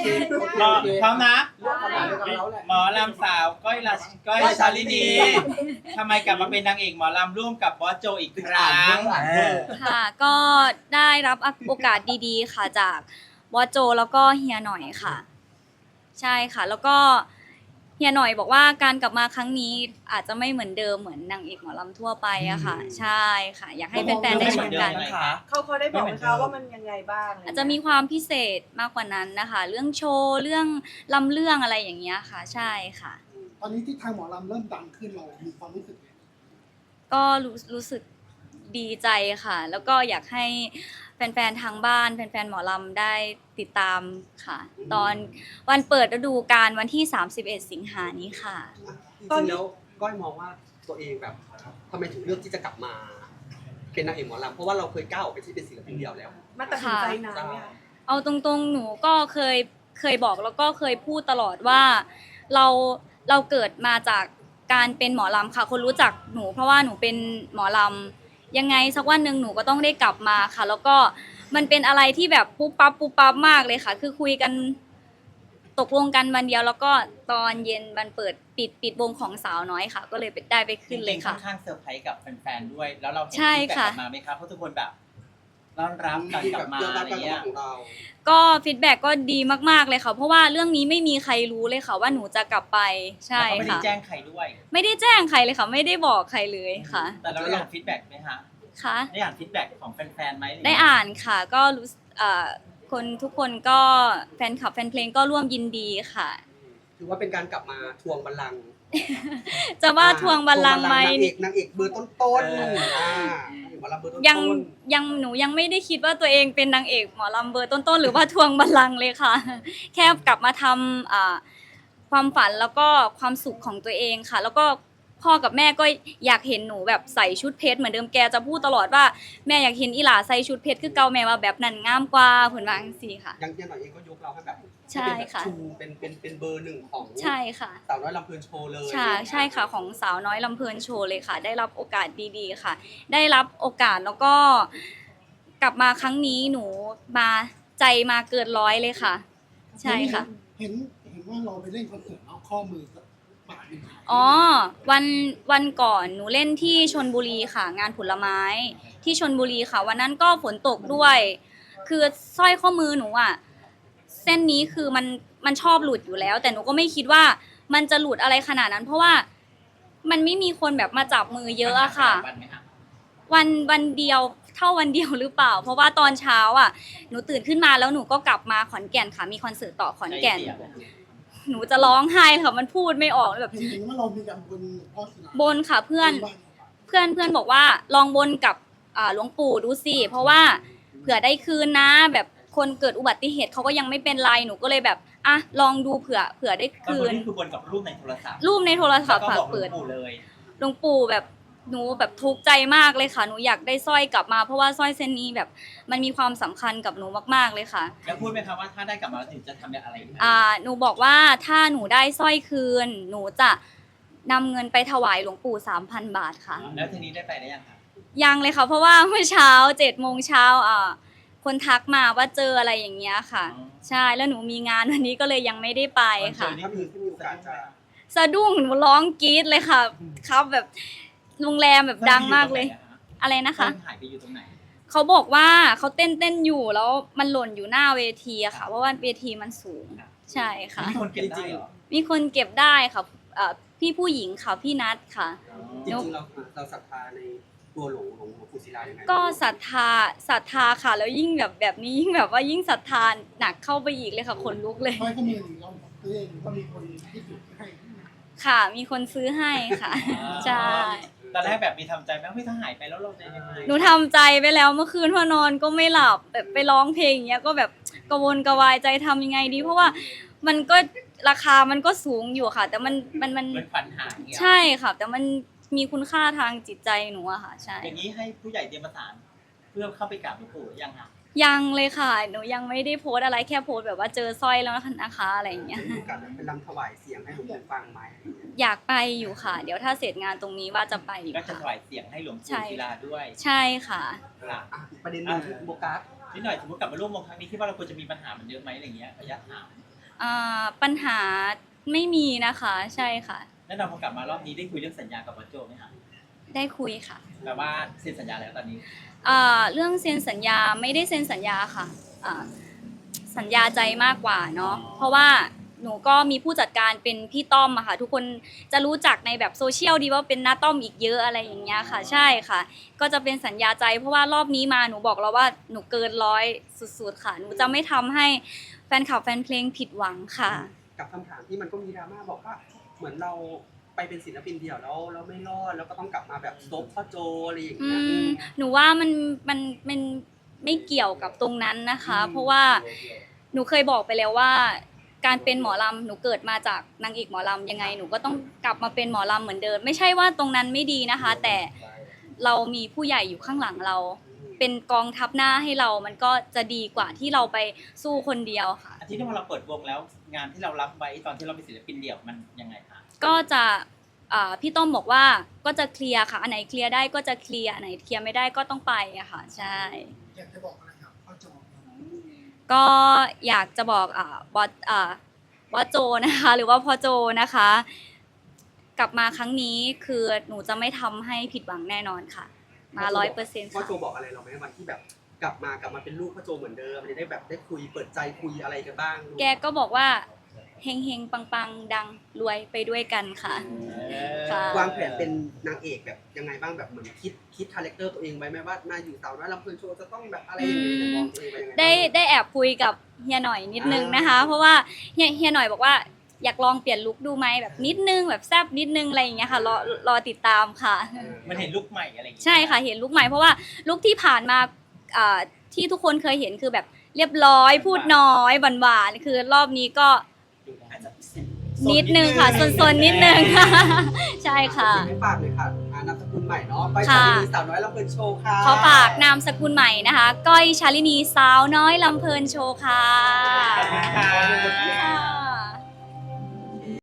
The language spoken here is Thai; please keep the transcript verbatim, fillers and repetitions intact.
หมอพร้อมนะเรื่องคำถามเดียวกับเราแหละหมอลำสาวก้อยละก้อยชาลินีทำไมกลับมาเป็นนางเอกหมอลำร่วมกับบอสโจอีกครั้งค่ะก็ได้รับโอกาสดีๆค่ะจากบอสโจแล้วก็เฮียหน่อยค่ะ ใช่ค่ะแล้วก็เฮียหน่อยบอกว่าการกลับมาครั้งนี้อาจจะไม่เหมือนเดิมเหมือนนางเอกหมอลำทั่วไปอะค่ะ ใช่ค่ะ อยากให้แฟนๆได้ชมกันเขาเขาได้บอกไหมคะว่ามันยังไงบ้างอาจจะมีความพิเศษมากกว่านั้นนะคะ เรื่องโชว์เรื่องลำเรื่องอะไรอย่างเงี้ยค่ะ ใช่ค่ะตอนนี้ที่ทางหมอลำเริ่มดังขึ้นเรามีความรู้สึกไงก็รู้รู้สึกดีใจค่ะ แล้วก็อยากให้แฟนๆทางบ้านแฟนๆหมอลำได้ติดตามค่ะ ตอนวันเปิดฤดูกาลวันที่สามสิบเอ็ดสิงหานี้ค่ะจริงๆแล้วก้อยมองว่าตัวเองแบบทำไมถึงเลือกที่จะกลับมา เป็นนางเอกหมอลำเพราะว่าเราเคยก้าวออกไปที่เป็นศิลปินเดี่ยวแล้วมาตัดสินใจนานไหมคะเอาตรงๆหนูก็เคยเคยบอกแล้วก็เคยพูดตลอดว่าเราเราเกิดมาจากการเป็นหมอลำค่ะ คนรู้จักหนูเพราะว่าหนูเป็นหมอลำยังไงสักวันหนึ่งหนูก็ต้องได้กลับมาค่ะ แล้วก็มันเป็นอะไรที่แบบปุ๊บปั๊บปุ๊บปั๊บมากเลยค่ะ คือคุยกันตกลงกันวันเดียวแล้วก็ตอนเย็นวันเปิดปิดปิดวงของสาวน้อยค่ะ ก็เลยได้ไปขึ้นเลยค่ะค่อนข้างเซอร์ไพรส์กับแฟนๆด้วยแล้วเราเห็นใช่ฟีดแบ็กค่ะกลับมาไหมครับเพราะทุกคนแบบต้อนรับการกลับมาอะไรเงี้ยของเราก็ฟีดแบ็กก็ดีมากๆเลยค่ะ เพราะว่าเรื่องนี้ไม่มีใครรู้เลยค่ะว่าหนูจะกลับไปใช่แล้วก็ไม่ได้ค่ะแจ้งใครด้วยไม่ได้แจ้งใครเลยค่ะ ไม่ได้บอกใครเลยค่ะแต่เราได้อ่านฟีดแบ็กไหมฮะค่ะได้อ่านฟีดแบ็กของแฟนๆไหมได้อ่านค่ะ ก็รู้สึกเอ่อคนทุกคนก็แฟนคลับแฟนเพลงก็ร่วมยินดีค่ะถือว่าเป็นการกลับมาทวงบัลลังก์จะว่าทวงบัลลังก์ไหมนางเอกนางเอกเบอร์ต้นๆอ่านางเอกหมอลำเบอร์ต้นๆยังยังหนูยังไม่ได้คิดว่าตัวเองเป็นนางเอกหมอลำเบอร์ต้นๆหรือว่าทวงบัลลังก์เลยค่ะ แค่กลับมาทำอ่าความฝันแล้วก็ความสุขของตัวเองค่ะ แล้วก็พ่อกับแม่ก็อยากเห็นหนูแบบใส่ชุดเพชรเหมือนเดิมแกจะพูดตลอดว่าแม่อยากเห็นอีหลาใส่ชุดเพชรคือเก่าแม่ว่าแบบนั้นงามกว่าเพิ่นว่าจังซี่ค่ะยังยังหน่อยเองก็ยกเราให้แบบใช่ค่ะชูเป็นเป็นเป็นเบอร์หนึ่งของใช่ค่ะสาวน้อยลำเพลินโชว์เลยใช่ใช่ค่ะของสาวน้อยลำเพลินโชว์เลยค่ะ ได้รับโอกาสดีๆค่ะ ได้รับโอกาสแล้วก็กลับมาครั้งนี้หนูมาใจมาเกินร้อยเลยค่ะ ใช่ค่ะเห็นเห็นว่าเราไปเล่นคอนเสิร์ตเอาข้อมือกับปากเป็นหายอ๋อวันวันก่อนหนูเล่นที่ชลบุรีค่ะ งานผลไม้ที่ชลบุรีค่ะ วันนั้นก็ฝนตกด้วย คือสร้อยข้อมือหนูอ่ะเส้นนี้คือมันมันชอบหลุดอยู่แล้ว แต่หนูก็ไม่คิดว่ามันจะหลุดอะไรขนาดนั้น เพราะว่ามันไม่มีคนแบบมาจับมือเยอะอะค่ะวันไหมฮะวันวันเดียวเท่าวันเดียวหรือเปล่า เพราะว่าตอนเช้าอ่ะหนูตื่นขึ้นมาแล้วหนูก็กลับมาขอนแก่นค่ะ มีคอนเสิร์ตต่อขอนแก่น หนูจะร้องไห้ค่ะมันพูดไม่ออกแบบเห็นเห็นว่าเรามีการบนพ่อสนามบนค่ะเพื่อนเพื่อนเพื่อนบอกว่าลองบนกับอ่าหลวงปู่ดูสิเพราะว่าเผื่อได้คืนนะแบบคนเกิดอุบัติเหตุเขาก็ยังไม่เป็นไรหนูก็เลยแบบอ่ะลองดูเผื่อเผื่อได้คืคืนนคือบนกับรูปในโทรศัพท์รูปในโทรศัพท์แล้วก็ค่ะบอกหลเปิวดงปู่เลยหลวงปู่แบบหนูแบบทุกข์ใจมากเลยค่ะหนูอยากได้สร้อยกลับมาเพราะว่าสร้อยเส้นนี้แบบมันมีความสำคัญกับหนูมากๆเลยค่ะแล้วพูดไหมครับว่าถ้าได้กลับมาแล้วถึงจะทำอะไรอีกไหมอ่าหนูบอกว่าถ้าหนูได้สร้อยคืน หนูจะนำเงินไปถวายหลวงปู่สามพันบาทค่ะแล้วทีนี้ได้ไปได้ยังครับยังเลยค่ะเพราะว่าเมื่อเช้าเจ็ดโมงเช้าอ่าคนทักมาว่าเจออะไรอย่างเงี้ยค่ะ ใช่แล้วหนูมีงานวันนี้ก็เลยยังไม่ได้ไปค่ะถ้ามีที่มีโอกาสจะสะดุ้งหนูร้องกรี๊ดเลยค่ะ ครับแบบโรงแรมแบบดังมากเลย อะไรนะคะหายไปอยู่ตรงไหนเขาบอกว่าเขาเต้นเต้นอยู่แล้วมันหล่นอยู่หน้าเวทีอะค่ะ เพราะว่าเวทีมันสูงใช่ค่ะมีคนเก็บได้เหรอมีคนเก็บได้ค่ะเอ่อพี่ผู้หญิงค่ะพี่นัทค่ะจริงๆเราเราศรัทธาในตัวหลวงหลวงหลวงปู่ศิลายังไงก็ศรัทธาศรัทธาค่ะ แล้วยิ่งแบบแบบนี้ยิ่งแบบว่ายิ่งศรัทธาหนักเข้าไปอีกเลยค่ะขนลุกเลยสร้อยข้อมือหรือเราตัวเองก็มีคนที่ถือให้ค่ะ มีคนซื้อให้ค่ะ ใช่ตอนแรกแบบมีทำใจไหมว่าเฮ้ยถ้าหายไปแล้วเราจะยังไงหนูทำใจไปแล้วเมื่อคืนพอนอนก็ไม่หลับแบบไปร้องเพลงอย่างเงี้ยก็แบบกระวนกระวายใจทำยังไงดี เพราะว่ามันก็ราคามันก็สูงอยู่ค่ะ แต่มันมันมันเหมือนฝันหายอย่างเงี้ยใช่ค่ะ แต่มันมีคุณค่าทางจิตใจหนูอะค่ะ ใช่อย่างนี้ให้ผู้ใหญ่เตรียมประสานเพื่อเข้าไปกราบหลวงปู่หรือยังคะยังเลยค่ะ หนูยังไม่ได้โพสต์อะไรแค่โพสต์แบบว่าเจอสร้อยแล้วนะคะอะไรอย่างเงี้ยมีโอกาสเป็นรำถวายเสียงให้หลวงปู่ฟังไหมอยากไปอยู่ค่ะ เดี๋ยวถ้าเสร็จงานตรงนี้ว่าจะไปอยู่ก็จะค่ะถวายเสียงให้หลวงใช่ปู่ศิลาด้วยใช่ค่ะค่ะอ่ะอีกประเด็นหนึงคือโบกัสนิดหน่อยสมมติกลับมาร่วมวงครั้งนี้คิดว่าเราควรจะมีปัญหามันเยอะไหมอะไรเงี้ยระยะห่างอ่าปัญหาไม่มีนะคะใช่ค่ะแน่นอนพอกลับมารอบนี้ได้คุยเรื่องสัญญากับบอสโจไหมคะได้คุยค่ะแปลว่าเซ็นสัญญาแล้วตอนนี้อ่าเรื่องเซ็นสัญญาไม่ได้เซ็นสัญญาค่ะอ่าสัญญาใจมากกว่าเนาะเพราะว่าหนูก็มีผู้จัดการเป็นพี่ต้อมอะค่ะทุกคนจะรู้จักในแบบโซเชียลดีว่าเป็นน้าต้อมอีกเยอะอะไรอย่างเงี้ยค่ะใช่ค่ะ ก็จะเป็นสัญญาใจเพราะว่ารอบนี้มาหนูบอกแล้วว่าหนูเกินร้อยสุดๆค่ะหนูจะไม่ทำให้แฟนคลับแฟนเพลงผิดหวังค่ะกับคำถามที่มันก็มีดราม่าบอกว่าเหมือนเราไปเป็นศิลปินเดี่ยวแล้วเราไม่รอดแล้วก็ต้องกลับมาแบบซบพ่อโจอะไรอย่างอืเงี้ยมหนูว่ามันมันมันไม่เกี่ยวกับตรงนั้นนะคะ เพราะว่าหนูเคยบอกไปแล้วว่า การเป็นหมอลำหนูเกิดมาจากนางเอกหมอลำยังไงหนูก็ต้องกลับมาเป็นหมอลำเหมือนเดิมไม่ใช่ว่าตรงนั้นไม่ดีนะคะ แต่เรามีผู้ใหญ่อยู่ข้างหลังเรา เป็นกองทัพหน้าให้เรามันก็จะดีกว่าที่เราไปสู้คนเดียวค่ะอาทิตย์ที่พอเราเปิดวงแล้วงานที่เรารับไว้ตอนที่เราเป็นศิลปินเดี่ยวมันยังไงคะก็จะอ่าพี่ต้อมบอกว่าก็จะเคลียร์ค่ะอันไหนเคลียร์ได้ก็จะเคลียร์อันไหนเคลียร์ไม่ได้ก็ต้องไปอะค่ะใช่อยากจะบอกอะไรครับพ่อจอมก็อยากจะบอกอ่าบอสอ่าบอสโจนะคะหรือว่าพ่อโจนะคะ กลับมาครั้งนี้คือหนูจะไม่ทำให้ผิดหวังแน่นอนค่ะ มาร้อยเปอร์เซ็นต์พ่อค่ะโจบอกอะไรเราไหมวันที่แบบกลับมากลับมาเป็นลูกพ่อโจเหมือนเดิมจะได้แบบได้คุยเปิดใจคุยอะไรกันบ้างแกก็บอกว่าเฮงเฮงปังปังดังรวยไปด้วยกันค่ะ ค่ะวางแผนเป็นนางเอกแบบยังไงบ้างแบบเหมือนคิดคิดคาแรคเตอร์ตัวเองไว้ไหมว่ามาอยู่สาวน้อยลำเพลินโชว์จะต้องแบบอะไรอย่างเงี้ยจะมองตัวเองไปยังไงบ้างได้ได้แอบคุยกับเฮียหน่อยนิดนึงนะคะ เพราะว่าเฮียเฮียหน่อยบอกว่าอยากลองเปลี่ยนลุคดูไหมแบบนิดนึงแบบแซบนิดนึงอะไรอย่างเงี้ยค่ะรอรอติดตามค่ะมันเห็นลุคใหม่อะไรอย่างเงี้ยใช่ค่ะเห็นลุคใหม่เพราะว่าลุคที่ผ่านมาอ่าที่ทุกคนเคยเห็นคือแบบเรียบร้อยพูดน้อยหวานๆคือรอบนี้ก็อาจจะนิดนึงค่ะซนๆนิดนึง ใช่ค่ะไม่ฝากเลยค่ะอ่านามสกุลใหม่เนาะไปค่ะสาวนีสาวน้อยลำเพลินโชว์ค่ะขอฝากนามสกุลใหม่นะคะ ก้อยชาลินีสาวน้อยลำเพลินโชว์ค่ะขอบคุณค่ะ